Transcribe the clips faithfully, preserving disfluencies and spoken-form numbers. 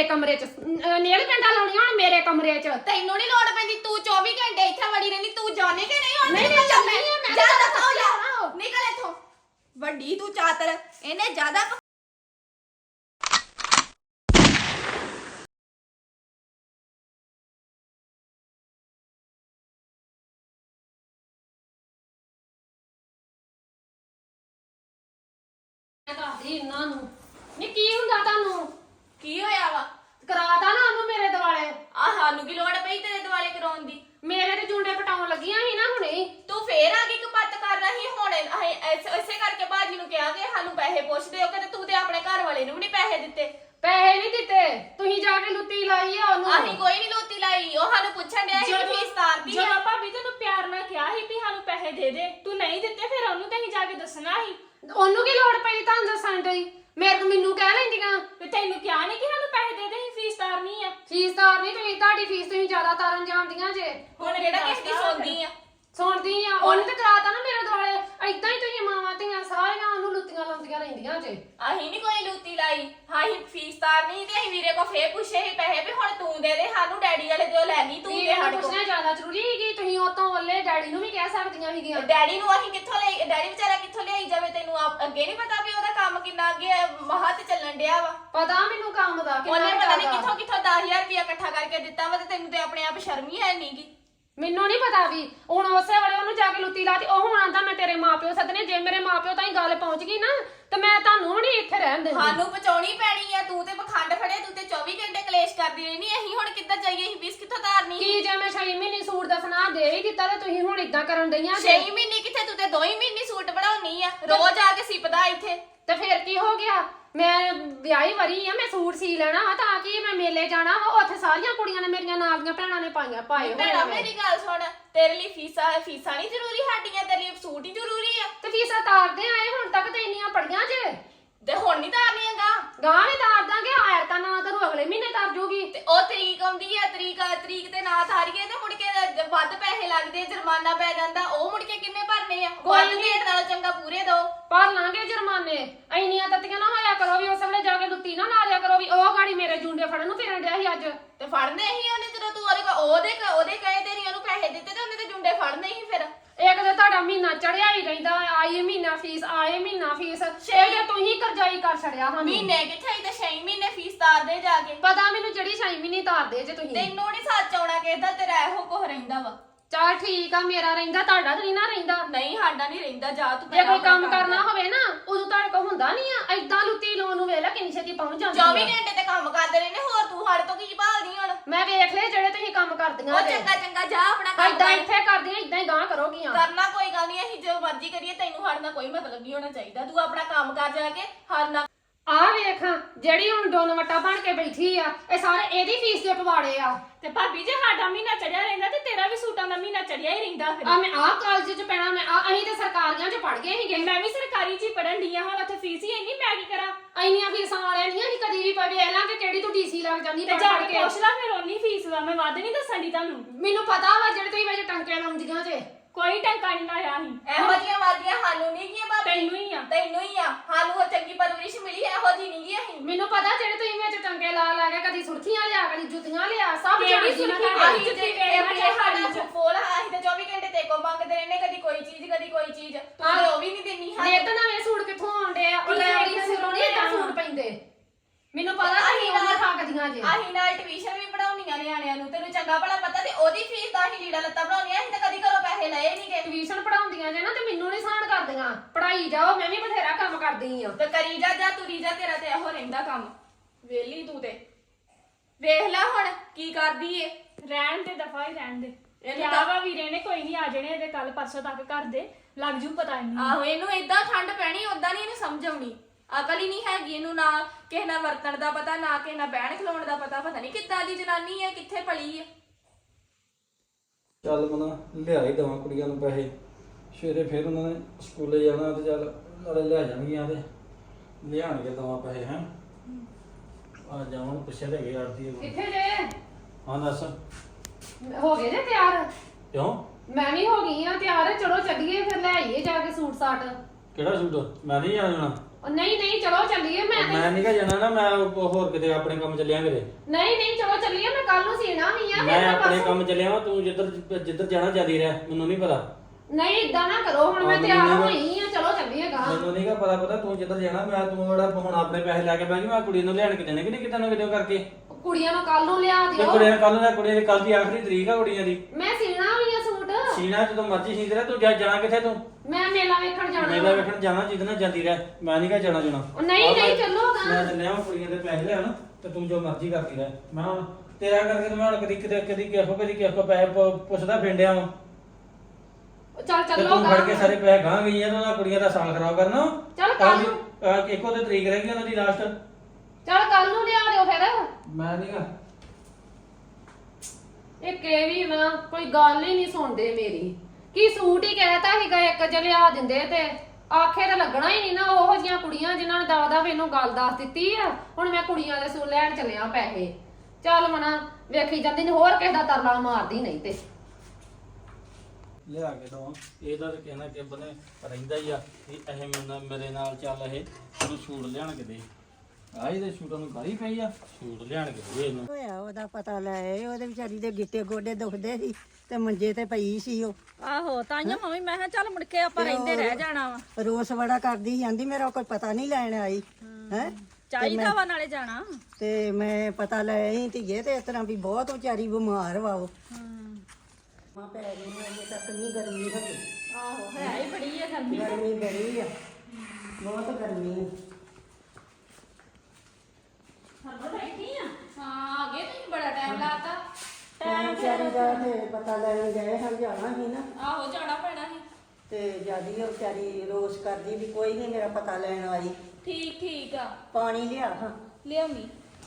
ਮੇਰੇ ਕਮਰੇ 'ਚ ਨੇਲ ਪੈਂਟਾਂ ਲਾਉਣੀਆਂ ਹੁਣ ਮੇਰੇ ਕਮਰੇ 'ਚ। ਤੈਨੂੰ ਨਹੀਂ ਲੋੜ ਪੈਂਦੀ, ਤੂੰ ਚੌਵੀ ਘੰਟੇ ਇੱਥੇ ਵੜੀ ਰਹਿੰਦੀ, ਤੂੰ ਜਾਣੇ ਕਿ ਨਹੀਂ ਹੁਣ? ਨਹੀਂ ਨਹੀਂ ਚੱਲਣੀ ਆ ਮੈਂ। ਜਾ ਦੱਸੋ ਜਾ, ਨਿਕਲ ਇੱਥੋਂ। ਵੱਡੀ ਤੂੰ ਚਾਤਰ, ਇਹਨੇ ਜ਼ਿਆਦਾ ਦੱਸਦੀ ਇਹਨਾਂ ਨੂੰ। ਨੀ ਕੀ ਹੁੰਦਾ ਤੁਹਾਨੂੰ? ਕੀ ਹੋਇਆ ਵਾ? ਕਰਾਤਾ ਨਾ ਉਹਨੂੰ ਮੇਰੇ ਦਿਵਾਲੇ। ਆ ਸਾਨੂੰ ਕੀ ਲੋੜ ਪਈ ਤੇਰੇ ਦੁਆਲੇ ਕਰਾਉਣ ਦੀ? ਮੇਰੇ ਤੇ ਜੁੰਡੇ ਪਟਾਉਣ ਲੱਗੀਆਂ ਸੀ ਨਾ ਹੁਣੇ। ਤੂੰ ਫੇਰ ਆ ਗਈ ਕਪੱਤ ਕਰ ਰਹੀ ਹੁਣ। ਐਸੇ ਕਰਕੇ ਬਾਜੀ ਨੂੰ ਕਿਹਾ ਕਿ ਸਾਨੂੰ ਪੈਸੇ ਪੁੱਛਦੇ ਹੋ ਕਿ ਤੂੰ ਤੇ ਆਪਣੇ ਘਰ ਵਾਲੇ ਨੂੰ ਵੀ ਨਹੀਂ ਪੈਸੇ ਦਿੱਤੇ। ਪੈਸੇ ਨਹੀਂ ਦਿੱਤੇ, ਤੁਸੀਂ ਜਾ ਕੇ ਲੁੱਟੀ ਲਾਈ ਆ ਉਹਨੂੰ। ਅਸੀਂ ਕੋਈ ਨਹੀਂ ਲੋਤੀ ਲਾਈ, ਉਹ ਸਾਨੂੰ ਪੁੱਛਣ ਡਿਆ ਸੀ ਫੀਸ ਤਾਰਦੀ ਆ। ਜਦੋਂ ਭਾਬੀ ਤੈਨੂੰ ਪਿਆਰ ਨਾਲ ਕਿਹਾ ਸੀ ਵੀ ਸਾਨੂੰ ਪੈਸੇ ਦੇ ਦੇ, ਤੂੰ ਨਹੀਂ ਦਿੱਤੇ, ਫਿਰ ਉਹਨੂੰ ਤੇ ਅਸੀਂ ਜਾ ਕੇ ਦੱਸਣਾ ਸੀ। ਉਹਨੂੰ ਕੀ ਲੋੜ ਪਈ ਤੁਹਾਨੂੰ ਦੱਸਣ ਦੀ? ਮੇਰੇ ਮੈਨੂੰ ਕਹਿ ਲੈਂਦੀਆਂ ਤੇ ਤੈਨੂੰ ਕਿਹਾ ਨਹੀਂ ਕਿ ਸਾਨੂੰ ਪੈਸੇ ਦੇ ਦੇ, ਅਸੀਂ ਫੀਸ ਤਾਰਨੀ ਆ। ਫੀਸ ਤਾਰਨੀ ਤੁਸੀਂ, ਤੁਹਾਡੀ ਫੀਸ ਤੁਸੀਂ ਜ਼ਿਆਦਾ ਤਾਰਨ ਜਾਣਦੀਆਂ ਜੇ। ਹੁਣ ਕਿਹੜਾ ਕਿਸੇ ਦੀ ਸੁਣਦੀ ਆ? ਸੁਣਦੀ ਆ, ਉਹਨੇ ਤੇ ਕਰਾਤਾ ਨਾ ਮੇਰੇ ਦੁਆਲੇ। ਏਦਾਂ ਹੀ ਤੁਸੀਂ ਮਾਵਾਂ ਧੀਆਂ ਸਾਰੀਆਂ ਉਹਨੂੰ ਲੁੱਟੀਆਂ ਲਾਉਂਦੀਆਂ ਰਹਿੰਦੀਆਂ ਜੇ। ਅਸੀਂ ਨਹੀਂ ਕੋਈ ਲੂਤੀ ਲਾਈ, ਅਸੀਂ ਫੀਸ ਤਾਰਨੀ ਤੇ ਅਸੀਂ ਵੀਰੇ ਕੋ ਫੇਰ ਪੁੱਛੇ ਸੀ ਪੈਸੇ ਵੀ ਹੁਣ ਤੂੰ ਦੇ ਦੇ ਸਾਨੂੰ, ਡੈਡੀ ਵਾਲੇ ਦਿਓ ਲੈ ਗਈ ਤੂੰ ਤੇ ਸਾਡੇ ਪੁੱਛਣਾ ਜ਼ਿਆਦਾ ਜ਼ਰੂਰੀ ਸੀਗੀ? ਤੁਸੀਂ ਉਹ ਤੋਂ ਵੱਲੇ ਡੈਡੀ ਨੂੰ ਵੀ ਕਹਿ ਸਕਦੀਆਂ ਸੀਗੀਆਂ। ਡੈਡੀ ਨੂੰ ਅਸੀਂ ਕਿੱਥੋਂ ਲੈ, ਡੈਡੀ ਵਿਚਾਰਾ ਕਿੱਥੋਂ ਲਿਆਈ ਜਾਵੇ? ਤੈਨੂੰ ਆਪ ਅੱਗੇ ਨਹੀਂ ਪਤਾ ਵੀ ਉਹਦਾ ਕੰਮ ਕਿੰਨਾ ਅੱਗੇ ਮਹਾ ਤੇ ਚੱਲਣ ਡਿਆ ਵਾ। ਪਤਾ ਮੈਨੂੰ ਕੰਮ ਦਾ ਕਿੰਨਾ ਉਹਨੇ ਪਤਾ ਨਹੀਂ ਜ਼ਿਆਦਾ। ਕਿੱਥੋਂ ਕਿੱਥੋਂ ਦਸ ਹਜ਼ਾਰ ਰੁਪਇਆ ਇਕੱਠਾ ਕਰਕੇ ਦਿੱਤਾ ਵਾ ਤੇ ਤੈਨੂੰ ਤੇ ਆਪਣੇ ਆਪ ਸ਼ਰਮ ਹੀ ਹੈ ਨਹੀਂਗੀ। ਮੈਨੂੰ ਨਹੀਂ ਪਤਾ ਵੀ ਹੁਣ ਉਸੇ ਵੇਲੇ ਉਹਨੂੰ ਜਾ ਕੇ ਲੁੱਟੀ ਲਾਤੀ। ਉਹ ਹੁਣ ਆਂਦਾ ਮੈਂ ਤੇਰੇ ਮਾਪਿਓ ਸੱਦਨੇ। ਜੇ ਮੇਰੇ ਮਾਪਿਓ ਤਾਈਂ ਗੱਲ ਪਹੁੰਚ ਗਈ ਨਾ ਤੇ ਮੈਂ ਤੁਹਾਨੂੰ ਨਹੀਂ ਇੱਥੇ ਰਹਿਣ ਦੇਣੀ। ਸਾਨੂੰ ਬਚਾਉਣੀ ਪੈਣੀ ਆ। ਤੂੰ ਤੇ ਪਖੰਡ ਫੜੇ, ਤੂੰ ਤੇ ਚੌਵੀ ਘੰਟੇ ਕਲੇਸ਼ ਕਰਦੀ ਰਹਿਣੀ। ਅਸੀਂ ਹੁਣ ਕਿੱਦਾਂ ਜਾਈਏ? ਅਸੀਂ ਫੀਸ ਕਿੱਥੋਂ ਤਾਰਨੀ? ਕੀ ਜੇ ਮੈਂ ਛੇ ਮਹੀਨੇ ਸੂਟ ਦਾ ਸੁਣਾ ਦੇ ਹੀ ਦਿੱਤਾ ਤੇ ਤੁਸੀਂ ਹੁਣ ਇਦਾਂ ਕਰਨ ਡਈਆਂ ਛੇ ਮਹੀਨੇ ਕਿੱਥੇ, ਤੂੰ ਤੇ ਦੋ ਹੀ ਮਹੀਨੇ ਸੂਟ ਬਣਾਉਣੀ ਆ। ਰੋਜ਼ ਆ ਕੇ ਸਿਪਦਾ ਇੱਥੇ। ਤੇ ਫਿਰ ਕੀ ਹੋ ਗਿਆ? ਮੈਂ ਵਿਆਹੀ ਵਰੀ ਆ, ਮੈਂ ਸੂਟ ਸੀ ਲੈਣਾ ਵਾ ਤਾਂ ਕਿ ਮੈਂ ਮੇਲੇ ਜਾਣਾ ਵਾ। ਉੱਥੇ ਸਾਰੀਆਂ ਕੁੜੀਆਂ ਨੇ ਮੇਰੀਆਂ ਨਾਲ ਦੀਆਂ ਭੈਣਾਂ ਨੇ ਪਾਈਆਂ ਪਾਏ ਹੋਏ ਭੈਣਾ ਆ। ਮੇਰੀ ਗੱਲ ਸੁਣ, ਤੇਰੇ ਲਈ ਫੀਸਾਂ ਫੀਸਾਂ ਨਹੀਂ ਜ਼ਰੂਰੀ ਸਾਡੀਆਂ, ਤੇਰੇ ਲਈ ਸੂਟ ਹੀ ਜ਼ਰੂਰੀ ਆ। ਤੇ ਫੀਸਾਂ ਤਾਰਦੇ ਆਏ ਹੁਣ ਤੱਕ ਤੇ ਇੰਨੀਆਂ ਪੜੀਆਂ ਜੇ। ਤੇ ਹੁਣ ਨਹੀਂ ਤਾਰਨੀਆਂ ਗਾ। ਗਾਂ ਵੀ ਤਾਰ ਦਾਂਗੇ, ਆਇਰ ਤਾਂ ਨਾ ਤੈਨੂੰ ਅਗਲੇ ਮਹੀਨੇ ਤਾਰ ਜੂਗੀ। ਤੇ ਉਹ ਤਰੀਕ ਆਉਂਦੀ ਆ, ਤਰੀਕ ਤਰੀਕ ਤੇ ਨਾ ਤਾਰੀਏ ਤੇ ਮੁੜ ਕੇ ਵੱਧ ਪੈਸੇ ਲੱਗਦੇ, ਜੁਰਮਾਨਾ ਪੈ ਜਾਂਦਾ। ਉਹ ਮੁੜ ਕੇ ਕਿੰਨੇ ਭਰਨੇ ਆ? ਕੋਈ ਡੇਢ ਨਾਲੋਂ ਚੰਗਾ ਪੂਰੇ ਦੋ ਭਰ ਲਾਂਗੇ ਜੁਰਮਾਨੇ। ਇੰਨੀਆਂ ਤੱਤੀਆਂ ਨਾ ਹੋਇਆ ਕਰੋ ਵੀ ਉਸ ਵੇਲੇ ਜਾ ਕੇ ਲੁੱਟੀ ਨਾ ਲਾ ਲਿਆ ਕਰੋ ਵੀ ਉਹ ਗਾੜੀ ਮੇਰੇ ਜੁੰਡੇ ਫੜਨ ਨੂੰ ਫਿਰਨ ਡਿਆ ਸੀ ਅੱਜ। ਤੇ ਫੜਨੇ ਹੀ ਉਹਨੇ ਜਦੋਂ ਤੂੰ ਉਹਦੇ ਉਹਦੇ ਉਹਦੇ ਕਹੇ ਤੇ ਨਹੀਂ ਉਹਨੂੰ ਪੈਸੇ ਦਿੱਤੇ ਤੇ ਉਹਨੇ ਤੇ ਜੁੰਡੇ ਫੜਨੇ ਹੀ ਫਿਰ। ਇੱਕ ਤੇ ਤੁਹਾਡਾ ਮਹੀਨਾ ਚੜਿਆ ਹੀ ਰਹਿੰਦਾ, ਆਏ ਮਹੀਨਾ ਫੀਸ ਆਏ ਮਹੀਨਾ ਫੀਸ। ਇਹ ਤੁਸੀਂ ਕਰਜ਼ਾਈ ਕਰ ਛੜਿਆ ਹਾਂ। ਮਹੀਨੇ ਕਿੱਥੇ ਹੀ ਤੇ ਛੇ ਮਹੀਨੇ ਫੀਸ ਤਾਰਦੇ ਜਾ ਕੇ। ਪਤਾ ਮੈਨੂੰ ਜਿਹੜੀ ਛੇ ਮਹੀਨੇ ਤਾਰਦੇ ਜੇ ਤੁਸੀਂ। ਤੈਨੂੰ ਨਹੀਂ ਸੱਚ ਆਉਣਾ ਕਿਹਦਾ, ਤੇਰਾ ਇਹੋ ਕੁਝ ਰਹਿੰਦਾ ਵਾ। ਚੱਲ ਠੀਕ ਆ, ਮੇਰਾ ਰਹਿੰਦਾ ਤੁਹਾਡਾ ਤਾਂ ਨਹੀਂ ਨਾ ਰਹਿੰਦਾ। ਨਹੀਂ ਸਾਡਾ ਨਹੀਂ ਰਹਿੰਦਾ, ਜਾ ਤੂੰ। ਜੇ ਕੋਈ ਕੰਮ ਕਰਨਾ ਹੋਵੇ ਨਾ ਉਦੋਂ ਤੁਹਾਡੇ ਕੋਲ ਹੁੰਦਾ ਨਹੀਂ ਆ। ਏਦਾਂ ਲੁੱਟੀ ਲੋਨ ਨੂੰ ਵੇਲਾ ਕਿੰਨੀ ਛੇਤੀ ਪਹੁੰਚ ਜਾਂਦੀ ਆ। ਚੌਵੀ ਘੰਟੇ ਤੇ ਕੰਮ ਕਰਦੇ ਰਹਿੰਦੇ, ਹੋਰ ਤੂੰ ਸਾਡੇ ਤੋਂ ਕੀ ਭਾਲਦੀ ਹੁਣ? ਮੈਂ ਵੇਖ ਲਏ ਜਿਹੜੇ ਤੁਸੀਂ ਕੰਮ ਕਰਦੀਆਂ ਉਹ ਚੰਗਾ ਚੰਗਾ ਜਾ ਆਪਣਾ ਕੰਮ ਏਦਾਂ ਕਰ। ਇੱਥੇ ਕਰਦੀਆਂ ਏਦਾਂ ਹੀ ਗਾਂ ਕਰੋਗੀਆਂ। ਕਰਨਾ ਕੋਈ ਗੱਲ ਨਹੀਂ, ਅਸੀਂ ਜੋ ਮਰਜ਼ੀ ਕਰੀਏ, ਤੈਨੂੰ ਸਾਡੇ ਨਾਲ ਕੋਈ ਮਤਲਬ ਨਹੀਂ ਹੋਣਾ ਚਾਹੀਦਾ। ਤੂੰ ਆਪਣਾ ਕੰਮ ਕਰ ਜਾ ਕੇ ਸਾਡੇ ਨਾਲ। ਆ ਵੇਖ ਜਿਹੜੀ ਹੁਣ ਡੋਨ ਵਟਾ ਬਣ ਕੇ ਬੈਠੀ ਆ, ਇਹ ਸਾਰੇ ਇਹਦੀ ਫੀਸ ਦੇ ਪਵਾੜੇ ਆ। ਤੇ ਭਾਬੀ ਜੇ ਸਾਡਾ ਮਹੀਨਾ ਚੜਿਆ ਰਹਿੰਦਾ ਤੇ ਤੇਰਾ ਵੀ ਸੂਟਾਂ ਦਾ ਮਹੀਨਾ ਚੜਿਆ ਹੀ ਰਹਿੰਦਾ ਫਿਰ। ਆ ਮੈਂ ਆ ਕਾਲਜ ਚ ਪੈਣਾ, ਮੈਂ ਆ ਅਸੀਂ ਤੇ ਸਰਕਾਰੀਆਂ ਚ ਪੜ ਗਏ ਸੀਗੇ। ਮੈਂ ਵੀ ਸਰਕਾਰੀ ਚ ਹੀ ਪੜਨ ਡਈ ਆ, ਹੁਣ ਉੱਥੇ ਫੀਸ ਹੀ ਇੰਨੀ, ਮੈਂ ਕੀ ਕਰਾਂ? ਇੰਨੀਆਂ ਫੀਸਾਂ ਵਾਲਿਆਂ ਦੀਆਂ ਹੀ ਕਦੀ ਵੀ ਪਵੇ ਲਾਂ ਕਿ ਕਿਹੜੀ ਤੂੰ ਡੀਸੀ ਲੱਗ ਜਾਂਦੀ ਤੇ ਪੜ ਜਾ ਪੜ ਕੇ ਕੇ। ਪੁੱਛ ਲਾ ਫਿਰ, ਓਨੀ ਫੀਸ ਵਾ। ਮੈਂ ਵੱਧ ਨਹੀਂ ਦੱਸਣ ਦੀ ਤੁਹਾਨੂੰ। ਮੈਨੂੰ ਪਤਾ ਵਾ ਜਿਹੜੇ ਤੁਸੀਂ ਵਿੱਚ ਟੰਕੇ ਲਾਉਂਦੀਆਂ ਜੇ। ਕੋਈ ਟੰਕਾ ਨਹੀਂ ਲਾਇਆ ਸੀ। ਇਹੋ ਜਿਹੀਆਂ ਵਾਦੀਆਂ ਸਾਨੂੰ ਨਹੀਂ ਗੀਆਂ ਭਾਬੀ, ਤੈਨੂੰ ਹੀ ਆ। ਤੈਨੂੰ ਹੀ ਆ। ਸਾਨੂੰ ਉਹ ਚੰਗੀ ਪਰਵਰਿਸ਼ ਮਿਲੀ, ਇਹੋ ਜਿਹੀ ਨਹੀਂ ਗਈ ਅਸੀਂ। ਮੈਨੂੰ ਪਤਾ ਜਿਹੜੇ ਤੁਸੀਂ ਵਿੱਚ ਟੰਕੇ ਲਾ ਲਾ ਕੇ ਕਦੀ ਸੁਰਖੀਆਂ ਲਿਆ ਕਦੀ ਜੁੱਤੀਆਂ ਲਿਆ, ਸਭ ਕਿਹੜੀ ਜਾਣਦੀ ਮੈਂ ਸੁਰਖੀ ਤੁਹਾਡੀ। ਆਹੀ ਅਸੀਂ ਜੁੱਤੀ ਜੇ ਵੇਖਣਾ ਚਾਹੀਦਾ ਸਾਡਾ ਸਾਡੀ। ਫੋਲ ਅਸੀਂ ਤੇ ਚੌਵੀ ਘੰਟੇ ਤੇ ਕੋ ਮੰਗਦੇ ਰਹਿੰਦੇ, ਕਦੀ ਕੋਈ ਚੀਜ਼ ਕਦੀ ਕੋਈ ਚੀਜ਼। ਤੂੰ ਤੇ ਉਹ ਵੀ ਨਹੀਂ ਦਿੰਨੀ ਹਾਂ। ਨਿੱਤ ਨਵੇਂ ਸੂਟ ਕਿੱਥੋਂ ਆਉਂਦੇ ਆ? ਉਹ ਲੈਡੀ ਦੇ ਸਿਰੋਂ ਨਹੀਂ ਏਦਾਂ ਸੂਟ ਪੈਂਦੇ। ਮੈਨੂੰ ਪਤਾ ਅਸੀਂ ਉਹਨਾਂ ਠੱਗਦੀਆਂ ਜੇ। ਅਸੀਂ ਨਾਲ ਟਿਊਸ਼ਨ ਵੀ ਪੜਾਉਣੀਆਂ ਨਿਆਣਿਆਂ ਨੂੰ, ਤੈਨੂੰ ਚੰਗਾ ਭਲਾ ਪਤਾ। ਤੇ ਉਹਦੀ ਫੀਸ ਦਾ ਅਸੀਂ ਲੀੜਾ ਲੱਤਾ ਬਣਾਉਣੀਆਂ, ਅਸੀਂ ਤਾਂ ਕਦੀ ਘਰੋਂ ਪੈਸੇ ਲਏ ਨਹੀਂ ਗਏ। ਟਿਊਸ਼ਨ ਪੜਾਉਂਦੀਆਂ ਜੇ ਨਾ ਤੇ ਮੈਨੂੰ ਨਹੀਂ ਸਾਨ ਕਰਦੀਆਂ। ਪੜਾਈ ਜਾਓ, ਮੈਂ ਵੀ ਬਥੇਰਾ ਕੰਮ ਕਰਦੀ ਆ। ਤੇ ਕਰੀ ਜਾ ਜਾ ਤੁਰੀ ਜਾ, ਤੇਰਾ ਤੇ ਇਹੋ ਰਹਿੰਦਾ ਕੰਮ। ਵੇਲੀ ਤੂੰ ਤੇ ਵੇਖ ਲੈ ਹੁਣ ਕੀ ਕਰਦੀ ਏ। ਰਹਿਣ ਦੇ, ਦਫਾ ਹੀ ਰਹਿਣ ਦੇ। ਇਹਨੂੰ ਕਿਹਾ ਵਾ ਵੀਰੇ ਨੇ ਕੋਈ ਨਹੀਂ ਆ ਜਾਣੇ ਇਹਦੇ ਕੱਲ ਪਰਸੋਂ ਤੱਕ ਘਰ ਦੇ, ਲੱਗ ਜੂ ਪਤਾ ਨਹੀਂ। ਆਹੋ, ਇਹਨੂੰ ਏਦਾਂ ਠੰਡ ਪੈਣੀ, ਓਦਾਂ ਨਹੀਂ ਇਹਨੂੰ ਸਮਝ ਆਉਣੀ। ਅਕਲ ਹੀ ਨਹੀਂ ਹੈਗੀ ਇਹਨੂੰ, ਨਾ ਕਿਸੇ ਨਾਲ ਵਰਤਣ ਦਾ ਪਤਾ, ਨਾ ਕਿਸੇ ਨਾਲ ਬਹਿਣ ਖਲੋਣ ਦਾ ਪਤਾ। ਪਤਾ ਨਹੀਂ ਕਿੱਦਾਂ ਦੀ ਜਨਾਨੀ ਹੈ, ਕਿੱਥੇ ਪਲੀ ਹੈ। ਚੱਲ ਮਨਾ ਲਿਆ ਹੀ ਦੇਵਾਂ ਕੁੜੀਆਂ ਨੂੰ ਪੈਸੇ। ਸਵੇਰੇ ਫਿਰ ਉਹਨਾਂ ਨੇ ਸਕੂਲੇ ਜਾਣਾ ਤੇ ਚੱਲ ਨਾਲੇ ਲੈ ਜਾਣਗੀਆਂ ਤੇ ਲਿਆਣਗੇ ਦੇਵਾਂ ਪੈਸੇ। ਹੈਂ ਆ ਜਾਵਾਂ ਪੁੱਛਿਆ ਲੈ ਗਏ ਆਰਤੀ। ਕਿੱਥੇ ਜੇ? ਹਾਂ ਦੱਸ। ਹੋ ਗਏ ਜੇ ਤਿਆਰ? ਕਿਉਂ? ਮੈਂ ਵੀ ਹੋ ਗਈ ਆ ਤਿਆਰ। ਚਲੋ ਚੱਲੀਏ ਫਿਰ ਲੈ ਆਈਏ ਜਾ ਕੇ ਸੂਟ ਸਾਟ। ਕਿਹੜਾ ਸੂਟ? ਮੈਂ ਨਹੀਂ ਜਾਣਾ ਜਾਣਾ। ਉਹ ਨਹੀਂ ਨਹੀਂ ਚਲੋ ਚੱਲੀਏ ਮੈਂ ਤੇ ਮੈਂ ਨਹੀਂ ਕਹ ਜਾਣਾ ਨਾ, ਮੈਂ ਉਹ ਹੋਰ ਕਿਤੇ ਆਪਣੇ ਕੰਮ ਚੱਲਿਆ ਕਿਤੇ। ਨਹੀਂ ਨਹੀਂ ਚਲੋ ਚੱਲੀਏ, ਮੈਂ ਕੱਲ ਨੂੰ ਸੀਣਾ ਵੀ ਆ ਮੈਂ ਫਿਰ ਆਪਣੇ ਬਸ- ਕੰਮ ਚੱਲਿਆ ਵਾਂ, ਤੂੰ ਜਿੱਧਰ ਜਿੱਧਰ ਜਾਣਾ ਜਾਂਦੀ ਰਹਿ, ਮੈਨੂੰ ਨਹੀਂ ਪਤਾ। ਨਹੀਂ ਇਦਾਂ ਨਾ ਕਰੋ, ਹੁਣ ਮੈਂ ਆਹ ਤਿਆਰ ਮੈਨੂੰ ਹੋਈ ਆ, ਚਲੋ ਚੱਲੀਏਗਾ। ਮੈਨੂੰ ਨਹੀਂ ਕਾ ਪਤਾ ਪਤਾ ਤੂੰ ਜਿੱਧਰ ਜਾਣਾ, ਮੈਂ ਤੂੰ ਜਿਹੜਾ ਹੁਣ ਆਪਣੇ ਪੈਸੇ ਲੈ ਕੇ ਬੈਠੀ, ਮੈਂ ਕੁੜੀ ਨੂੰ ਲਿਆਣ ਕੇ ਦੇਣੇ ਕਿ ਨਹੀਂ ਕਿਤੇ ਨਾ ਕਿਤੇ ਕਰਕੇ। ਕੁੜੀਆਂ ਨੂੰ ਕੱਲ ਨੂੰ ਲਿਆ ਤੇ ਦਿਓ। ਕੁੜੀਆਂ ਕੱਲ ਨੂੰ ਕੁੜੀਆਂ ਦੀ ਕੱਲ ਦੀ ਆਖਰੀ ਤਰੀਕ ਆ ਕੁੜੀਆਂ ਦੀ। ਮੈਂ ਸੀਣਾ ਵੀ ਆ ਸੂਟ। ਸੀਨਾ ਜਦੋਂ ਮਰਜ਼ੀ ਸੀ ਤੇਰਾ, ਤੂੰ ਜਾ ਜਾਣਾ ਕਿੱਥੇ ਤੂੰ? ਮੈਂ ਮੇਲਾ ਵੇਖਣ ਜਾਣਾ ਮੇਲਾ ਵਾ। ਵੇਖਣ ਜਾਣਾ, ਜਿਹਦੇ ਨਾਲ ਜਾਂਦੀ ਰਹਿ, ਮੈਂ ਨਹੀਂ ਕਾ ਜਾਣਾ ਜਾਣਾ। ਉਹ ਨਹੀਂ ਨਹੀਂ ਚੱਲੋ ਗਾ। ਮੈਂ ਚੱਲਿਆ ਵਾਂ ਕੁੜੀਆਂ ਦੇ ਪੈਸੇ ਲੈਣ, ਤੇ ਤੂੰ ਜੋ ਮਰਜ਼ੀ ਕਰਦੀ ਰਹਿ। ਮੈਂ ਹੁਣ ਤੇਰਾ ਕਰਕੇ ਤੇ ਮੈਂ ਹੁਣ ਕਦੀ ਕਿਤੇ ਕਦੀ ਕਿਹੋ ਕਦੀ ਕਿਹੋ ਪੈਸੇ ਪ- ਪੁੱਛਦਾ ਫਿੰਡਿਆ ਵਾਂ। ਚੱਲ ਤੇ ਚੱਲੋ ਤੂੰ ਫੜ ਕੇ ਗਾ। ਸਾਰੇ ਪੈਸੇ ਗਾਂ ਗਈਆਂ ਤੇ ਉਹਨਾਂ ਕੁੜੀਆਂ ਦਾ ਸਾਲ ਖਰਾਬ ਕਰਨਾ। ਚੱਲ ਕੱਲ ਨੂੰ ਅਹ ਇੱਕੋ ਤੇ ਤਰੀਕ ਰਹਿ ਗਈ ਉਹਨਾਂ ਦੀ ਲਾਸਟ। ਚੱਲ ਕੱਲ ਨੂੰ ਲਿਆ ਦਿਓ ਫਿਰ। ਮੈਂ ਨਹੀਂ ਗਾ ਇੱਕ ਇਹ ਵੀ ਨਾ ਕੋਈ ਗੱਲ ਹੀ ਨਹੀਂ ਸੁਣਦੇ ਮੇਰੀ। ਕੀ ਸੂਟ ਹੀ ਕਹਿਤਾ ਸੀਗਾ ਇੱਕ ਚ ਲਿਆ ਦਿੰਦੇ ਤੇ ਆਖੇ ਤਾਂ ਲੱਗਣਾ ਹੀ ਨਹੀਂ ਨਾ। ਉਹੋ ਜੀਆਂ ਕੁੜੀਆਂ ਜਿਨ੍ਹਾਂ ਨੇ ਦਾਦਾ ਮੈਨੂੰ ਗੱਲ ਦੱਸ ਦਿੱਤੀ ਆ, ਹੁਣ ਮੈਂ ਕੁੜੀਆਂ ਦੇ ਸੂਟ ਲੈਣ ਚੱਲਿਆ ਪੈਸੇ। ਚੱਲ ਮਨਾ ਵੇਖੀ ਜਾਂਦੀ ਨੇ, ਹੋਰ ਕਿਸੇ ਦਾ ਤਰਲਾ ਮਾਰਦੀ ਨਹੀਂ ਤੇ ਲਿਆ ਕੇ ਦਵਾਂ। ਇਹਦਾ ਤਾਂ ਕਹਿਣਾ ਕਿ ਬਨੇ ਰਹਿੰਦਾ ਹੀ ਆ ਕਿ ਇਹ ਮੇਰੇ ਨਾਲ ਮੇਰੇ ਨਾਲ ਚੱਲ, ਇਹ ਤੂੰ ਸੂਟ ਲਿਆਣ ਕੇ ਦੇ। ਆ ਇਹਦੇ ਸੂਟਾਂ ਨੂੰ ਗਾਲੀ ਪਈ ਆ, ਸੂਟ ਲਿਆਣ ਕੇ ਦੇ ਇਹਨੂੰ। ਹੋਇਆ ਉਹਦਾ ਪਤਾ ਲੈ ਆਏ, ਉਹਦੇ ਵਿਚਾਰੀ ਦੇ ਗਿੱਟੇ ਗੋਡੇ ਦੁਖਦੇ ਸੀ ਤੇ ਮੰਜੇ ਤੇ ਪਈ ਸੀ ਉਹ। ਆਹੋ ਤਾਈਆਂ ਮੰਮੀ ਮੈਂ ਕਿਹਾ ਚੱਲ ਮੁੜ ਕੇ ਆਪਾਂ ਰਹਿੰਦੇ ਰਹਿ ਜਾਣਾ ਵਾ। ਰੋਸ ਬੜਾ ਕਰਦੀ ਸੀ, ਆਂਦੀ ਮੇਰਾ ਕੋਈ ਪਤਾ ਨਹੀਂ ਲੈਣ ਆਈ ਹੈ। ਚਾਹੀਦਾ ਵਾ ਨਾਲੇ ਜਾਣਾ। ਤੇ ਮੈਂ ਪਤਾ ਲੈ ਆਈ ਧੀਏ, ਤੇ ਇਸ ਤਰ੍ਹਾਂ ਵੀ ਬਹੁਤ ਵਿਚਾਰੀ ਬਿਮਾਰ ਵਾ ਉਹ। ਮਾਂ ਪੈ ਗਈ ਨੇ, ਅਜੇ ਤੱਕ ਨਹੀਂ ਗਰਮੀ ਹੈਗੀ। ਆਹੋ ਹੈ ਹੀ ਬੜੀ ਆ ਗਰਮੀ। ਗਰਮੀ ਬੜੀ ਆ, ਬਹੁਤ ਗਰਮੀ ਆ। ਹਰਮਨ ਬੈਠੀ ਆ। ਹਾਂ ਆ ਗਏ ਤੁਸੀਂ, ਬੜਾ ਟਾਈਮ ਲਾਤਾ। ਟਾਈਮ ਵਿਚਾਰੀ ਦਾ ਤੇ ਪਤਾ ਲੈਣ ਗਏ ਹਾਂ, ਜਾਣਾ ਸੀ ਨਾ। ਆਹੋ ਜਾਣਾ ਪੈਣਾ ਸੀ। ਤੇ ਜਿਆਦੀ ਉਹ ਵਿਚਾਰੀ ਰੋਸ ਕਰਦੀ ਵੀ ਕੋਈ ਨਹੀਂ ਮੇਰਾ ਪਤਾ ਲੈਣ ਆਈ। ਠੀਕ ਠੀਕ ਆ, ਪਾਣੀ ਲਿਆ ਹਾਂ। ਲਿਆਉਣੀ।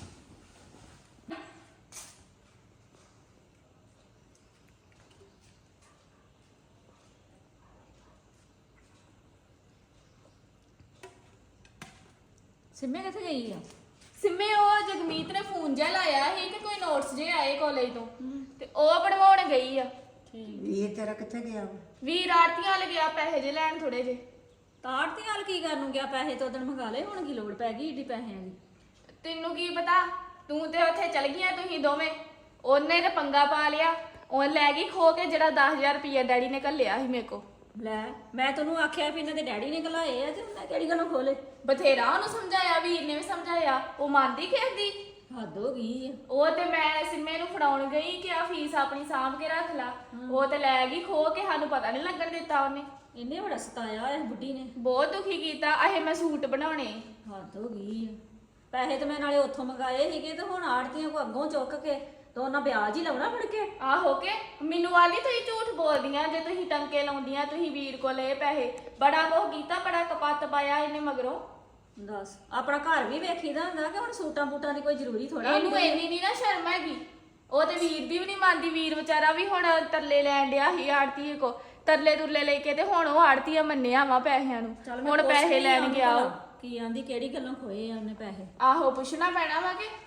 ਸਿੰਮੇ ਕਿੱਥੇ ਗਈ ਆ? ਸਿੰਮੇ ਉਹ ਜਗਮੀਤ ਨੇ ਫੋਨ ਜਿਹਾ ਲਾਇਆ ਸੀ ਕਿ ਕੋਈ ਨੋਟਸ ਜੇ ਆਏ ਕਾਲਜ ਤੋਂ, ਤੇ ਉਹ ਬਣਵਾਉਣ ਗਈ ਆ। ਵੀਰ ਤੇਰਾ ਕਿੱਥੇ ਗਿਆ ਵਾ? ਵੀਰ ਆਰਤੀਆਂ ਲੱਗਿਆ ਪੈਸੇ ਜੇ ਲੈਣ ਥੋੜੇ ਜੇ। ਤਾੜ ਤੇ ਹਾਲ ਕੀ ਕਰਨ ਨੂੰ ਗਿਆ? ਪੈਸੇ ਤੋਂ ਉਦੋਂ ਮੰਗਾ ਲਏ, ਹੁਣ ਕੀ ਲੋੜ ਪੈ ਗਈ ਏਡੀ ਪੈਸਿਆਂ ਦੀ? ਤੈਨੂੰ ਕੀ ਪਤਾ, ਤੂੰ ਤੇ ਉੱਥੇ ਚਲ ਗਈਆਂ ਤੁਸੀਂ ਦੋਵੇਂ। ਉਹਨੇ ਤੇ ਪੰਗਾ ਪਾ ਲਿਆ, ਉਹ ਲੈ ਗਈ ਖੋ ਕੇ ਜਿਹੜਾ ਦਸ ਹਜ਼ਾਰ ਰੁਪਇਆ ਡੈਡੀ ਨੇ ਘੱਲਿਆ ਸੀ ਮੇਰੇ ਕੋ। ਲੈ ਮੈਂ ਤੈਨੂੰ ਆਖਿਆ ਵੀ ਇਹਨਾਂ ਦੇ ਡੈਡੀ ਨੇ ਘਲਾਏ ਆ ਤੇ ਉਹਨੇ ਕਿਹੜੀ ਗੱਲੋਂ ਖੋਲੇ? ਬਥੇਰਾ ਉਹਨੂੰ ਸਮਝਾਇਆ, ਵੀਰ ਨੇ ਵੀ ਸਮਝਾਇਆ, ਉਹ ਮੰਨਦੀ ਖੇਦੀ। ਹੱਦ ਹੋ ਗਈ ਆ। ਉਹ ਤੇ ਮੈਂ ਸਿੰਮੇ ਨੂੰ ਫੜਾਉਣ ਗਈ ਕਿ ਆ ਫੀਸ ਆਪਣੀ ਸਾਂਭ ਕੇ ਰੱਖ ਲਾ, ਉਹ ਤੇ ਲੈ ਗਈ ਖੋ ਕੇ, ਸਾਨੂੰ ਪਤਾ ਨਹੀਂ ਲੱਗਣ ਦਿੱਤਾ ਉਹਨੇ। ਇਹਨੇ ਬੜਾ ਸਤਾਇਆ ਇਸ ਬੁੱਢੀ ਨੇ। ਬਹੁਤ ਦੁਖੀ ਕੀਤਾ। ਅਹੇ ਮੈਂ ਸੂਟ ਬਣਾਉਣੇ। ਹੱਦ ਹੋ ਗਈ ਆ। ਪੈਸੇ ਤੇ ਮੈਂ ਨਾਲੇ ਉੱਥੋਂ ਮੰਗਾਏ ਸੀਗੇ ਤੇ ਹੁਣ ਆੜਤੀਆਂ ਕੋ ਅੱਗੋਂ ਚੁੱਕ ਕੇ ਤੇ ਉਹਨਾਂ ਵਿਆਜ ਹੀ ਲਾਉਣਾ ਫੜ ਕੇ। ਆਹੋ ਕੇ ਮੈਨੂੰ ਵਾਲੀ ਤੁਸੀਂ ਝੂਠ ਬੋਲਦੀਆਂ ਜੇ ਤੁਸੀਂ ਟੰਕੇ ਲਾਉਂਦੀਆਂ, ਤੁਸੀਂ ਵੀਰ ਕੋਲ ਲਏ ਪੈਸੇ। ਬੜਾ ਕੁਝ ਕੀਤਾ, ਬੜਾ ਕਪੱਤ ਪਾਇਆ ਇਹਨੇ ਮਗਰੋਂ। ਦੱਸ ਆਪਣਾ ਘਰ ਵੀ ਵੇਖੀਦਾ ਹੁੰਦਾ ਕਿ ਹੁਣ ਸੂਟਾਂ ਬੂਟਾਂ ਦੀ ਕੋਈ ਜ਼ਰੂਰੀ ਥੋੜਾ। ਇਹਨੂੰ ਇੰਨੀ ਨਹੀਂ ਨਾ ਸ਼ਰਮ ਹੈਗੀ। ਉਹ ਤੇ ਵੀਰ ਦੀ ਵੀ ਨਹੀਂ ਮੰਨਦੀ। ਵੀਰ ਵਿਚਾਰਾ ਵੀ ਹੁਣ ਤਰਲੇ ਲੈਣ ਡਿਆ ਸੀ ਆੜਤੀ ਕੋ, ਤਰਲੇ ਤੁਰਲੇ ਲੈ ਕੇ ਤੇ ਹੁਣ ਉਹ ਆੜਤੀਆ ਮੰਨਿਆ ਵਾ ਪੈਸਿਆਂ ਨੂੰ। ਹੁਣ ਪੈਸੇ ਲੈਣ ਗਿਆ ਉਹ। ਕੀ ਆਂਦੀ ਕਿਹੜੀ ਗੱਲੋਂ ਖੋਏ ਆ ਉਹਨੇ ਪੈਸੇ? ਆਹੋ ਪੁੱਛਣਾ ਪੈਣਾ ਵਾ ਕਿ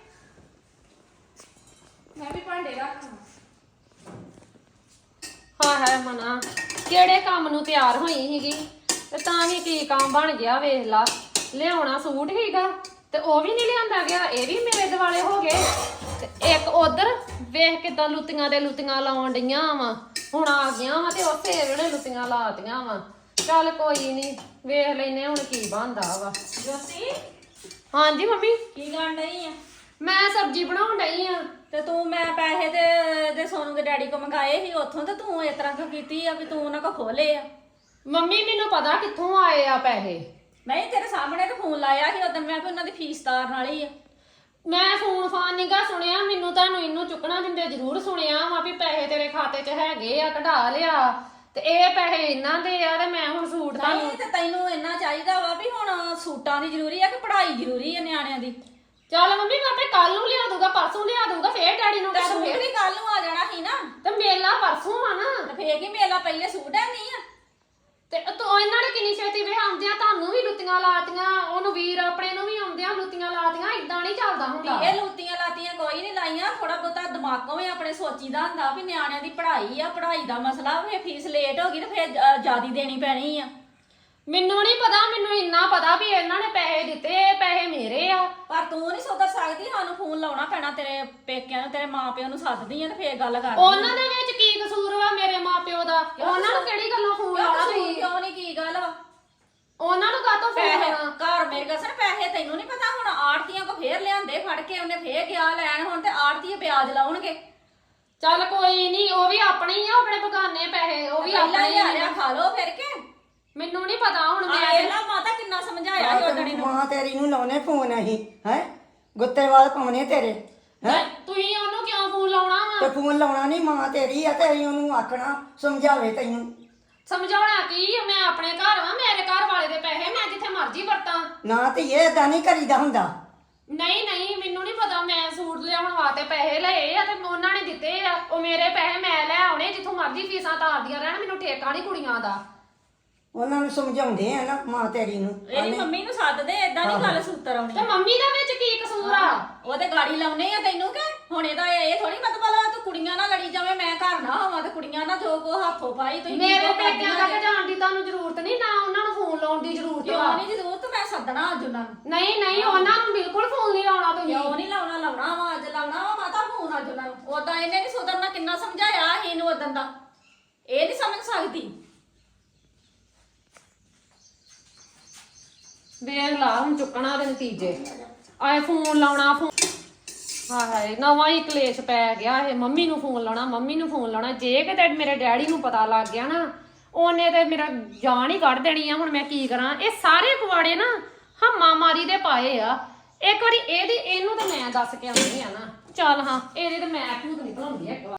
ਮੈਂ ਵੀ ਭਾਂਡੇ ਰੱਖਾਂ। ਹਾਏ ਹਾਏ ਮਨਾ, ਕਿਹੜੇ ਕੰਮ ਨੂੰ ਤਿਆਰ ਹੋਈ ਸੀਗੀ ਤੇ ਤਾਂ ਵੀ ਕੀ ਕੰਮ ਬਣ ਗਿਆ ਵੇਖ ਲਾ। ਲਿਆਉਣਾ ਸੂਟ ਹੀਗਾ ਤੇ ਉਹ ਵੀ ਨਹੀਂ ਲਿਆਂਦਾ ਗਿਆ, ਇਹ ਵੀ ਮੇਰੇ ਦਿਵਾਲੇ ਹੋ ਗਏ। ਤੇ ਇੱਕ ਉਧਰ ਵੇਖ ਕਿਦਾਂ ਲੁੱਤੀਆਂ ਦੇ ਲੁੱਤੀਆਂ ਲਾਉਣ ਡਈਆਂ ਵਾ, ਹੁਣ ਆ ਗਿਆ ਵਾ ਤੇ ਉਸੇ ਵੇਲੇ ਲੁੱਤੀਆਂ ਲਾਤੀਆਂ ਵਾ। ਚੱਲ ਕੋਈ ਨਹੀਂ, ਵੇਖ ਲੈਨੇ ਹੁਣ ਕੀ ਬਣਦਾ ਵਾ। ਜੋਤੀ ਹਾਂਜੀ ਮੰਮੀ, ਕੀ ਕਰਨ ਡਈ ਆ? ਮੈਂ ਸਬਜ਼ੀ ਬਣਾਉਣ ਡਈ ਆ। ਤੇ ਤੂੰ ਮੈਂ ਪੈਸੇ ਤੇ ਦੇ ਸੋਨੂੰ ਦੇ ਡੈਡੀ ਕੋ ਮੰਗਾਏ ਸੀ ਉੱਥੋਂ, ਤੇ ਤੂੰ ਇਸ ਤਰ੍ਹਾਂ ਕਿਉਂ ਕੀਤੀ ਆ ਵੀ ਤੂੰ ਉਹਨਾਂ ਕੋ ਖੋਲੇ ਆ? ਮੰਮੀ ਮੈਨੂੰ ਪਤਾ ਕਿੱਥੋਂ ਆਏ ਆ ਪੈਸੇ। ਨਹੀਂ ਤੇਰੇ ਸਾਹਮਣੇ ਤਾਂ ਫੋਨ ਲਾਇਆ ਸੀ ਉਦੋਂ ਮੈਂ ਵੀ ਉਹਨਾਂ ਦੀ ਫੀਸ ਤਾਰਨ ਵਾਲੀ ਆ। ਮੈਂ ਫੋਨ ਫਾਨ ਨੀਗਾ ਸੁਣਿਆ, ਮੈਨੂੰ ਤੁਹਾਨੂੰ ਇਹਨੂੰ ਚੁੱਕਣਾ ਦਿੰਦੇ ਜ਼ਰੂਰ ਸੁਣਿਆ ਵਾ ਵੀ ਪੈਸੇ ਤੇਰੇ ਖਾਤੇ 'ਚ ਹੈਗੇ ਆ, ਕਢਾ ਲਿਆ ਤੇ ਇਹ ਪੈਸੇ ਇਹਨਾਂ ਦੇ ਆ ਤੇ ਮੈਂ ਹੁਣ ਸੂਟ ਤੁਹਾਨੂੰ। ਨਹੀਂ ਤੇ ਤੈਨੂੰ ਇੰਨਾ ਚਾਹੀਦਾ ਵਾ ਵੀ ਹੁਣ ਸੂਟਾਂ ਦੀ ਜ਼ਰੂਰੀ ਆ ਕਿ ਪੜ੍ਹਾਈ ਜ਼ਰੂਰੀ ਆ ਨਿਆਣਿਆਂ ਦੀ? ਚੱਲ ਮੰਮੀ ਮੈਂ ਆਪੇ ਕੱਲ ਨੂੰ ਲਿਆ ਦੂੰਗਾ, ਪਰਸੋਂ ਲਿਆ ਦੂੰਗਾ, ਫੇਰ ਡੈਡੀ ਨੂੰ ਤੇ ਕਹਿ ਦੂੰ ਸੂਟ ਫੇਰ। ਵੀ ਕੱਲ ਨੂੰ ਆ ਜਾਣਾ ਸੀ ਨਾ। ਤੇ ਮੇਲਾ ਪਰਸੋਂ ਆ ਨਾ, ਤੇ ਫੇਰ ਕੀ ਮੇਲਾ ਪਹਿਲੇ ਸੂਟ ਹੈ ਨਹੀਂ ਆ? ਤੇ ਤੂੰ ਇਹਨਾਂ ਨੇ ਕਿੰਨੀ ਛੇਤੀ ਵੇ ਆਉਂਦਿਆਂ ਤੁਹਾਨੂੰ ਵੀ ਲੁੱਤੀਆਂ ਲਾਤੀਆਂ, ਉਹਨੂੰ ਵੀਰ ਆਪਣੇ ਨੂੰ ਵੀ ਆਉਂਦਿਆਂ ਲੁੱਤੀਆਂ ਲਾਤੀਆਂ। ਇਦਾਂ ਨਹੀਂ ਚੱਲਦਾ ਹੁੰਦਾ। ਇਹ ਲੂਤੀਆਂ ਲਾਤੀਆਂ ਕੋਈ ਨਹੀਂ ਲਾਈਆਂ, ਥੋੜਾ ਬਹੁਤਾ ਦਿਮਾਗੋਂ ਵੀ ਆਪਣੇ ਸੋਚੀਦਾ ਹੁੰਦਾ ਵੀ ਨਿਆਣਿਆਂ ਦੀ ਪੜ੍ਹਾਈ ਆ, ਪੜ੍ਹਾਈ ਦਾ ਮਸਲਾ, ਫੇਰ ਫੀਸ ਲੇਟ ਹੋ ਗਈ ਤੇ ਫੇਰ ਜਿਆਦੀ ਦੇਣੀ ਪੈਣੀ ਆ। ਮੈਨੂੰ ਨਹੀਂ ਪਤਾ, ਮੈਨੂੰ ਇੰਨਾ ਪਤਾ ਵੀ ਇਹਨਾਂ ਨੇ ਪੈਸੇ ਦਿੱਤੇ, ਇਹ ਪੈਸੇ ਮੇਰੇ ਆ। ਪਰ ਤੂੰ ਨਹੀਂ ਸੁਧਰ ਸਕਦੀ, ਸਾਨੂੰ ਫੋਨ ਲਾਉਣਾ ਪੈਣਾ ਤੇਰੇ ਪੇਕਿਆਂ ਨੂੰ, ਤੇਰੇ ਮਾਪਿਆਂ ਨੂੰ ਸੱਦਦੀ ਆ ਤੇ ਫੇਰ ਗੱਲ ਕਰਦੀ ਉਹਨਾਂ ਦੇ ਵਿੱਚ ਕੀ ਕਸੂਰ ਵਾ ਮੇਰੇ ਮਾਪਿਓ ਦਾ? ਉਹਨਾਂ ਨੂੰ ਕਿਹੜੀ ਗੱਲੋਂ ਫੋਨ ਲਾਉਣਾ ਤੁਸੀਂ? ਕਿਉਂ ਨਹੀਂ ਕੀ ਗੱਲ ਵਾ? ਉਹਨਾਂ ਨੂੰ ਕਾਹਤੋਂ ਫੋਨ ਪੈਸੇ ਲਾਉਣਾ? ਘਰ ਮੇਰੇ ਕੋਲ ਸਰ ਪੈਸੇ ਤੈਨੂੰ ਨਹੀਂ ਪਤਾ, ਹੁਣ ਆੜਤੀਆਂ ਕੋ ਫੇਰ ਲਿਆਂਦੇ ਫੜ ਕੇ, ਉਹਨੇ ਫੇਰ ਗਿਆ ਲੈਣ, ਹੁਣ ਤੇ ਆੜਤੀਏ ਵਿਆਜ ਲਾਉਣਗੇ। ਚੱਲ ਕੋਈ ਨਹੀਂ, ਉਹ ਵੀ ਆਪਣੇ ਹੀ ਆ, ਆਪਣੇ ਬਗਾਨੇ ਪੈਸੇ, ਉਹ ਵੀ ਪਹਿਲਾਂ ਆਪਣੇ ਹੀ ਹੀ ਆ ਲਿਆ ਆ। ਖਾ ਲੋ ਫਿਰ ਕੇ। ਮੈਨੂੰ ਨਹੀਂ ਪਤਾ ਹੁਣ ਮੈਂ ਆ ਲਾ ਮਾਤਾ ਕਿੰਨਾ ਸਮਝਾਇਆ ਸੀ ਉਹਦਣੀ ਨੂੰ। ਮਾਂ ਤੇਰੀ ਨੂੰ ਲਾਉਣੇ ਫੋਨ ਅਸੀਂ ਹੈ ਗੁੱਤੇਵਾਲ ਪਾਉਣੇ ਤੇਰੇ ਹੈ ਤੁਸੀਂ ਉਹਨੂੰ ਕਿਉਂ ਫੋਨ ਲਾਉਣਾ ਵਾ? ਤੇ ਫੋਨ ਲਾਉਣਾ ਨਹੀਂ, ਮਾਂ ਤੇਰੀ ਆ ਤੇ ਅਸੀਂ ਉਹਨੂੰ ਆਖਣਾ ਸਮਝਾਵੇ ਤੈਨੂੰ। ਸਮਝਾਉਣਾ ਕੀ ਆ? ਮੈਂ ਆਪਣੇ ਘਰ ਵਾਂ, ਮੇਰੇ ਘਰ ਵਾਲੇ ਦੇ ਪੈਸੇ ਮੈਂ ਜਿੱਥੇ ਮਰਜ਼ੀ ਵਰਤਾਂ। ਨਾ ਤੇ ਇਹ ਏਦਾਂ ਨਹੀਂ ਕਰੀਦਾ ਹੁੰਦਾ। ਨਹੀਂ ਨਹੀਂ ਮੈਨੂੰ ਨਹੀਂ ਪਤਾ, ਮੈਂ ਸੂਟ ਲਿਆਉਣ ਵਾਸਤੇ ਪੈਸੇ ਲਏ ਆ ਤੇ ਉਹਨਾਂ ਨੇ ਦਿੱਤੇ ਆ, ਉਹ ਮੇਰੇ ਪੈਸੇ ਮੈਂ ਲੈ ਆਉਣੇ, ਜਿੱਥੋਂ ਮਰਜ਼ੀ ਫੀਸਾਂ ਤਾਰਦੀਆਂ ਰਹਿਣ, ਮੈਨੂੰ ਠੇਕਾ ਨਹੀਂ ਕੁੜੀਆਂ ਦਾ। ਉਹਨਾਂ ਨੂੰ ਸਮਝਾਉਂਦੇ ਆ ਨਾ ਮਾਂ ਤੇਰੀ ਨੂੰ। ਇਹਦੀ ਮੰਮੀ ਨੂੰ ਸੱਦਦੇ, ਏਦਾਂ ਨਹੀਂ ਗੱਲ ਸੂਤਰ ਆਉਣੀ। ਤੇ ਮੰਮੀ ਦੇ ਵਿੱਚ ਕੀ ਕਸੂਰ ਆ? ਉਹ ਤੇ ਗਾੜੀ ਲਾਉਨੇ ਆ ਤੈਨੂੰ ਕਿ ਹੁਣ ਇਹਦਾ ਇਹ ਥੋੜੀ ਮਤਲਬ ਆ ਤੂੰ ਕੁੜੀਆਂ ਨਾਲ ਲੜੀ ਜਾਵੇਂ, ਮੈਂ ਘਰ ਨਾ ਹੋਵਾਂ ਤੇ ਕੁੜੀਆਂ ਨਾਲ ਜੋ ਕੋ ਹੱਥੋਂ ਪਾਈ ਤੁਸੀਂ ਮੇਰੇ ਕੀ ਪੇਕਿਆਂ ਕਰਦੀਆਂ ਤੱਕ ਜਾਣ ਦੀ ਤੁਹਾਨੂੰ ਜ਼ਰੂਰਤ ਨਹੀਂ, ਨਾ ਉਹਨਾਂ ਨੂੰ ਫੋਨ ਲਾਉਣ ਦੀ ਜ਼ਰੂਰਤ ਕਿਉਂ ਵਾ। ਨਹੀਂ ਜ਼ਰੂਰਤ, ਮੈਂ ਸੱਦਣਾ ਅੱਜ ਉਹਨਾਂ ਨੂੰ। ਨਹੀਂ ਨਹੀਂ ਉਹਨਾਂ ਨੂੰ ਬਿਲਕੁਲ ਫੋਨ ਨਹੀਂ ਲਾਉਣਾ ਤੁਸੀਂ। ਕਿਉਂ ਨਹੀਂ ਲਾਉਣਾ? ਲਾਉਣਾ ਵਾ ਅੱਜ, ਲਾਉਣਾ ਵਾ ਮਾਤਾ ਫੋਨ ਅੱਜ ਉਹਨਾਂ ਨੂੰ। ਉਦਾਂ ਇਹਨੇ ਨਹੀਂ ਸੁਧਰਨਾ, ਕਿੰਨਾ ਸਮਝਾਇਆ ਸੀ ਇਹਨੂੰ ਉਦੋਂ ਦਾ, ਇਹ ਨਹੀਂ ਸਮਝ ਸਕਦੀ। ਵੇਖ ਲਾ ਹੁਣ ਚੁੱਕਣਾ ਦੇ ਨਤੀਜੇ, ਆਏ ਫੋਨ ਲਾਉਣਾ ਫੋਨ। ਹਾਏ ਹਾਏ ਨਵਾਂ ਹੀ ਕਲੇਸ਼ ਪੈ ਗਿਆ ਇਹ, ਮੰਮੀ ਨੂੰ ਫੋਨ ਲਾਉਣਾ, ਮੰਮੀ ਨੂੰ ਫੋਨ ਲਾਉਣਾ। ਜੇ ਕਿਤੇ ਮੇਰੇ ਡੈਡੀ ਨੂੰ ਪਤਾ ਲੱਗ ਗਿਆ ਨਾ, ਉਹਨੇ ਤੇ ਮੇਰਾ ਜਾਨ ਹੀ ਕੱਢ ਦੇਣੀ ਆ। ਹੁਣ ਮੈਂ ਕੀ ਕਰਾਂ? ਇਹ ਸਾਰੇ ਪਵਾੜੇ ਨਾ ਹੰਮਾ ਮਾਰੀ ਦੇ ਪਾਏ ਆ। ਇੱਕ ਵਾਰੀ ਇਹਦੀ ਇਹਨੂੰ ਤਾਂ ਮੈਂ ਦੱਸ ਕੇ ਆਉਂਦੀ ਆ ਨਾ, ਚੱਲ ਹਾਂ ਇਹਦੇ ਤੇ ਮੈਂ ਭੂਤ ਨਿਕਲਾਉਂਦੀ ਆ ਇੱਕ ਵਾਰ।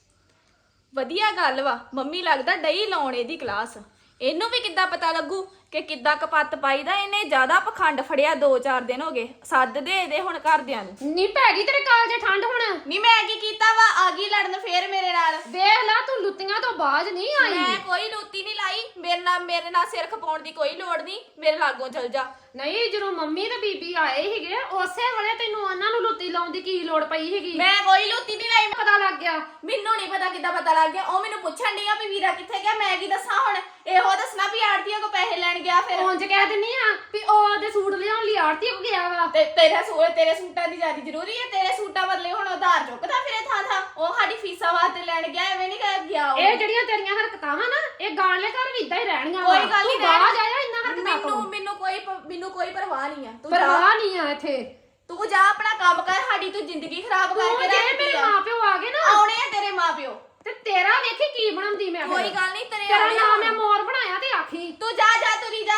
ਵਧੀਆ ਗੱਲ ਵਾ, ਮੰਮੀ ਲੱਗਦਾ ਡਈ ਲਾਉਣ ਇਹਦੀ ਕਲਾਸ। ਇਹਨੂੰ ਵੀ ਕਿੱਦਾਂ ਪਤਾ ਲੱਗੂ ਕਿ ਕਿੱਦਾਂ ਕਪੱਤ ਪਾਈਦਾ? ਇਹਨੇ ਜ਼ਿਆਦਾ ਪਖੰਡ ਫੜਿਆ, ਦੋ ਚਾਰ ਦਿਨ ਹੋ ਗਏ। ਸੱਦ ਦੇ ਇਹਦੇ ਹੁਣ ਘਰਦਿਆਂ ਨੂੰ। ਨੀ ਪੈ ਗਈ ਤੇਰੇ ਕਾਲਜੇ ਠੰਡ ਹੁਣ? ਨਹੀਂ ਮੈਂ ਕੀ ਕੀਤਾ ਵਾ? ਆ ਗਈ ਲੜਨ ਫੇਰ ਮੇਰੇ ਨਾਲ। ਵੇਖ ਲਾ ਤੂੰ ਲੁੱਤੀਆਂ ਤੋਂ ਬਾਜ ਨਹੀਂ ਆਈ। ਮੈਂ ਕੋਈ ਲੂਤੀ ਨਹੀਂ ਲਾਈ, ਮੇਰੇ ਨਾਲ ਮੇਰੇ ਨਾਲ ਸਿਰ ਖਪਾਉਣ ਦੀ ਕੋਈ ਲੋੜ ਨਹੀਂ, ਮੇਰੇ ਲਾਗੋਂ ਚਲ ਜਾ। ਨਹੀਂ ਜਦੋਂ ਮੰਮੀ ਤੇ ਬੀਬੀ ਆਏ ਸੀਗੇ ਉਸੇ ਵੇਲੇ ਤੈਨੂੰ ਉਹਨਾਂ ਨੂੰ ਲੁੱਤੀ ਲਾਉਣ ਦੀ ਕੀ ਲੋੜ ਪਈ ਸੀਗੀ? ਮੈਂ ਕੋਈ ਲੂਤੀ ਨਹੀਂ ਲਾਈ। ਪਤਾ ਲੱਗ ਗਿਆ? ਮੈਨੂੰ ਨਹੀਂ ਪਤਾ ਕਿੱਦਾਂ ਪਤਾ ਲੱਗ ਗਿਆ। ਉਹ ਮੈਨੂੰ ਪੁੱਛਣ ਡਈ ਆ ਵੀ ਵੀਰਾ ਕਿੱਥੇ ਗਿਆ, ਮੈਂ ਕੀ ਦੱਸਾਂ ਹੁਣ? ਇਹੋ ਦੱਸਣਾ ਵੀ ਆੜਤੀਆਂ ਕੋ ਪੈਸੇ ਲੈਣ ਗਿਆ। ਫਿਰ ਉਂਝ ਕਹਿ ਦਿੰਨੀ ਆ ਵੀ ਉਹ ਉਹਦੇ ਸੂਟ ਲਿਆਉਣ ਲਈ ਆੜਤੀ ਕੋ ਗਿਆ ਵਾ। ਤੇ ਤੇਰਾ ਸੂਟ ਤੇਰੇ ਸੂਟਾਂ ਦੀ ਜ਼ਿਆਦਾ ਜ਼ਰੂਰੀ ਹੈ? ਤੇਰੇ ਸੂਟਾਂ ਬਦਲੇ ਹੁਣ ਉਧਾਰ ਚੁੱਕਦਾ ਫਿਰੇ ਥਾਂ ਥਾਂ। ਉਹ ਸਾਡੀ ਫੀਸਾਂ ਵਾਸਤੇ ਲੈਣ ਗਿਆ, ਐਵੇਂ ਨਹੀਂ ਕਰ ਗਿਆ ਉਹ। ਇਹ ਜਿਹੜੀਆਂ ਤੇਰੀਆਂ ਹਰਕਤਾਂ ਵਾ ਨਾ, ਇਹ ਗਾਂਲੇ ਘਰ ਵੀ ਇਦਾਂ ਹੀ ਰਹਿਣੀਆਂ ਵਾ। ਕੋਈ ਗੱਲ ਨਹੀਂ, ਤੂੰ ਬਾਹਰ ਜਾਇਆ ਇੰਨਾ ਹਰਕਤਾਂ ਤੋਂ। ਮੈਨੂੰ ਮੈਨੂੰ ਕੋਈ ਪ- ਮੈਨੂੰ ਕੋਈ ਪਰਵਾਹ ਨਹੀਂ ਆ। ਤੂੰ ਪਰਵਾਹ ਜਾ, ਨਹੀਂ ਆ ਇੱਥੇ। ਤੂੰ ਜਾ ਆਪਣਾ ਕੰਮ ਕਰ, ਸਾਡੀ ਤੂੰ ਜ਼ਿੰਦਗੀ ਖਰਾਬ ਤੂੰ ਕਰਕੇ ਜੇ ਰੱਖਦੀ ਮੇਰੇ ਆ। ਮਾਪਿਓ ਆ ਗਏ ਨਾ, ਆਉਣੇ ਆ ਤੇਰੇ ਮਾਪਿਓ। ਤੇ ਤੇਰਾ ਵੇਖੀ ਕੀ ਬਣਾਉਂਦੀ ਮੈਂ ਫਿਰ। ਕੋਈ ਗੱਲ ਨਹੀਂ, ਤੇਰੇ ਤੇਰਾ ਆਉਣੇ ਆ। ਨਾਮ ਮੈਂ ਮੋਰ ਬਣਾਇਆ ਤੇ ਆਖੀ ਤੂੰ ਜਾ ਜਾ ਤੁਰੀ ਜਾ।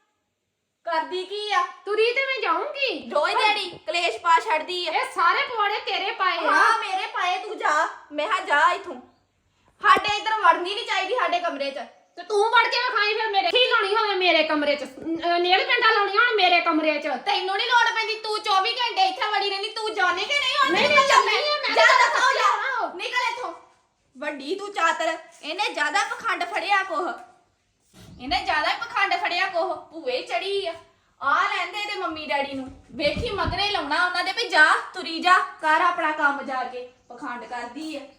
ਕਰਦੀ ਕੀ ਆ? ਤੁਰੀ ਤੇ ਮੈਂ ਜਾਊਂਗੀ ਰੋਜ਼ ਦਿਹਾੜੀ ਕਲੇਸ਼ ਪਾ ਛੱਡਦੀ ਆ। ਇਹ ਸਾਰੇ ਪਵਾੜੇ ਤੇਰੇ ਪਾਏ ਆ। ਹਾਂ ਮੇਰੇ ਪਾਏ, ਤੂੰ ਜਾ। ਮੈਂ ਹਾਂ ਜਾ ਇਥੋਂ। ਸਾਡੇ ਇੱਧਰ ਵੜਨੀ ਨਹੀਂ ਚਾਹੀਦੀ ਸਾਡੇ ਕਮਰੇ 'ਚ। ਤੇ ਤੂੰ ਵੜ ਕੇ ਵਿਖਾਈ ਫਿਰ ਮੇਰੇ ਕੀ ਲਾਉਣੀ ਹੋਵੇ ਮੇਰੇ ਕਮਰੇ 'ਚ, ਨੇਲ ਪੈਂਟਾਂ ਲਾਉਣੀਆਂ ਹੁਣ ਮੇਰੇ ਕਮਰੇ 'ਚ। ਤੈਨੂੰ ਨਹੀਂ ਲੋੜ ਪੈਂਦੀ, ਤੂੰ ਚੌਵੀ ਘੰਟੇ ਇੱਥੇ ਵੜੀ ਰਹਿੰਦੀ। ਤੂੰ ਜਾਣੇ ਕਿ ਨਹੀਂ? ਹੁਣ ਨਹੀਂ, ਨਿਕਲ ਜਾ। ਨਹੀਂ, ਮੈਂ ਜਾ ਤਾਂ ਦੱਸੋ ਜਾ। ਜਾਣਾ। ਨਿਕਲ ਇੱਥੋਂ। ਵੱਡੀ ਤੂੰ ਚਾਤਰ। ਇਹਨੇ ਜ਼ਿਆਦਾ ਪਖੰਡ ਫੜਿਆ ਕੋਹ। ਇਹਨੇ ਜ਼ਿਆਦਾ ਪਖੰਡ ਫੜਿਆ ਕੋਹ। ਭੂਏ ਚੜੀ ਆ। ਆ ਲੈਂਦੇ ਇਹਦੇ ਮੰਮੀ ਡੈਡੀ ਨੂੰ। ਵੇਖੀ ਮਗਰੇ ਲਾਉਣਾ ਉਹਨਾਂ ਦੇ ਵੀ ਜਾ ਤੁਰੀ ਜਾ ਕਰ ਆਪਣਾ ਕੰਮ ਜਾ ਕੇ। ਪਖੰਡ ਕਰਦੀ ਆ।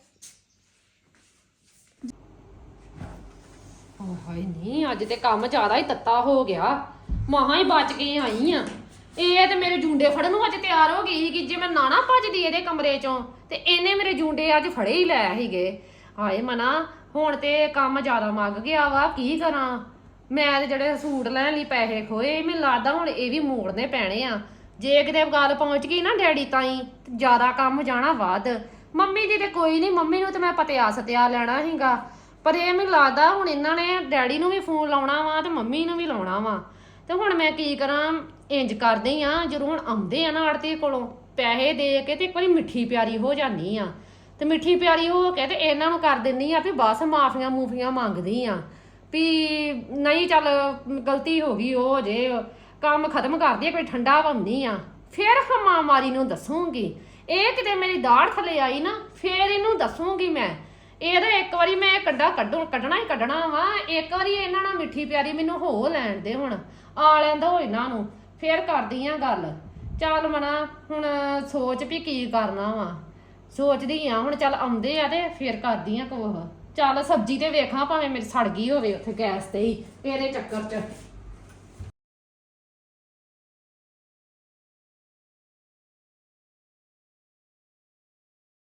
ਓ ਹਾਏ ਨਹੀਂ, ਅੱਜ ਤੇ ਕੰਮ ਜ਼ਿਆਦਾ ਹੀ ਤੱਤਾ ਹੋ ਗਿਆ। ਮਹਾਂ ਹੀ ਬਚ ਕੇ ਆਈ ਆ। ਇਹ ਤੇ ਮੇਰੇ ਜੂੰਡੇ ਫੜਨ ਨੂੰ ਅੱਜ ਤਿਆਰ ਹੋ ਗਈ ਸੀ ਕਿ ਜੇ ਮੈਂ ਨਾ ਨਾ ਭੱਜਦੀ ਇਹਦੇ ਕਮਰੇ ਚੋਂ ਤੇ ਇਹਨੇ ਮੇਰੇ ਜੂੰਡੇ ਅੱਜ ਫੜੇ ਹੀ ਲੈ ਸੀਗੇ। ਹਾਏ ਮਨਾ, ਹੁਣ ਤੇ ਕੰਮ ਜ਼ਿਆਦਾ ਮੱਗ ਗਿਆ ਵਾ, ਕੀ ਕਰਾਂ? ਮੈਂ ਤੇ ਜਿਹੜੇ ਸੂਟ ਲੈਣ ਲਈ ਪੈਸੇ ਖੋਏ, ਮੈਨੂੰ ਲੱਗਦਾ ਹੁਣ ਇਹ ਵੀ ਮੋੜਨੇ ਪੈਣੇ ਆ। ਜੇ ਕਿਤੇ ਗੱਲ ਪਹੁੰਚ ਗਈ ਨਾ ਡੈਡੀ ਤਾਈਂ ਤੇ ਜ਼ਿਆਦਾ ਕੰਮ ਜਾਣਾ ਵੱਧ। ਮੰਮੀ ਦੀ ਤੇ ਕੋਈ ਨਹੀਂ, ਮੰਮੀ ਨੂੰ ਤੇ ਮੈਂ ਪਤਿਆ ਸਤਿਆ ਲੈਣਾ ਸੀਗਾ, ਪਰ ਇਹ ਮੈਨੂੰ ਲੱਗਦਾ ਹੁਣ ਇਹਨਾਂ ਨੇ ਡੈਡੀ ਨੂੰ ਵੀ ਫੋਨ ਲਾਉਣਾ ਵਾ ਤੇ ਮੰਮੀ ਨੂੰ ਵੀ ਲਾਉਣਾ ਵਾ। ਤੇ ਹੁਣ ਮੈਂ ਕੀ ਕਰਾਂ? ਇੰਜ ਕਰਦੇ ਆ, ਜਦੋਂ ਹੁਣ ਆਉਂਦੇ ਆ ਨਾ ਆੜਤੀ ਕੋਲੋਂ ਪੈਸੇ ਦੇ ਕੇ ਤੇ ਇੱਕ ਵਾਰੀ ਮਿੱਠੀ ਪਿਆਰੀ ਹੋ ਜਾਂਦੀ ਆ। ਤੇ ਮਿੱਠੀ ਪਿਆਰੀ ਹੋ ਕੇ ਤੇ ਇਹਨਾਂ ਨੂੰ ਕਰ ਦਿੰਦੀ ਆ ਵੀ ਬਸ ਮਾਫੀਆਂ ਮੂਫੀਆਂ ਮੰਗਦੀ ਆ ਵੀ ਨਹੀਂ ਚੱਲ ਗਲਤੀ ਹੋ ਗਈ, ਉਹ ਜੇ ਕੰਮ ਖਤਮ ਕਰਦੀ ਆ, ਕੋਈ ਠੰਡਾ ਪਾਉਂਦੀ ਆ। ਫਿਰ ਹਮਾ ਮਾਰੀ ਨੂੰ ਦੱਸੂਗੀ। ਇਹ ਕਿਤੇ ਮੇਰੀ ਦਾੜ ਥੱਲੇ ਆਈ ਨਾ, ਫਿਰ ਇਹਨੂੰ ਦੱਸੂਗੀ ਮੈਂ। ਇਹਦਾ ਇੱਕ ਵਾਰੀ ਮੈਂ ਕੱਢਾ ਕੱਢੂ ਕੱਢਣਾ ਹੀ ਕੱਢਣਾ ਵਾ। ਇੱਕ ਵਾਰੀ ਇਹਨਾਂ ਨਾਲ ਮਿੱਠੀ ਪਿਆਰੀ ਮੈਨੂੰ ਹੋ ਲੈਣ ਦੇ, ਹੁਣ ਆ ਲੈਂਦਾ ਹੋ ਇਹਨਾਂ ਨੂੰ, ਫੇਰ ਕਰਦੀ ਆ ਗੱਲ। ਚੱਲ ਮਨਾ ਹੁਣ ਸੋਚ ਵੀ ਕੀ ਕਰਨਾ ਵਾ, ਸੋਚਦੀ ਆ ਹੁਣ। ਚੱਲ ਆਉਂਦੇ ਆ ਤੇ ਫੇਰ ਕਰਦੀ ਆ ਕੋਹ। ਚੱਲ ਸਬਜ਼ੀ ਤੇ ਵੇਖਾਂ, ਭਾਵੇਂ ਮੇਰੀ ਸੜ ਗਈ ਹੋਵੇ ਉੱਥੇ ਗੈਸ ਤੇ ਹੀ ਇਹਦੇ ਚੱਕਰ 'ਚ।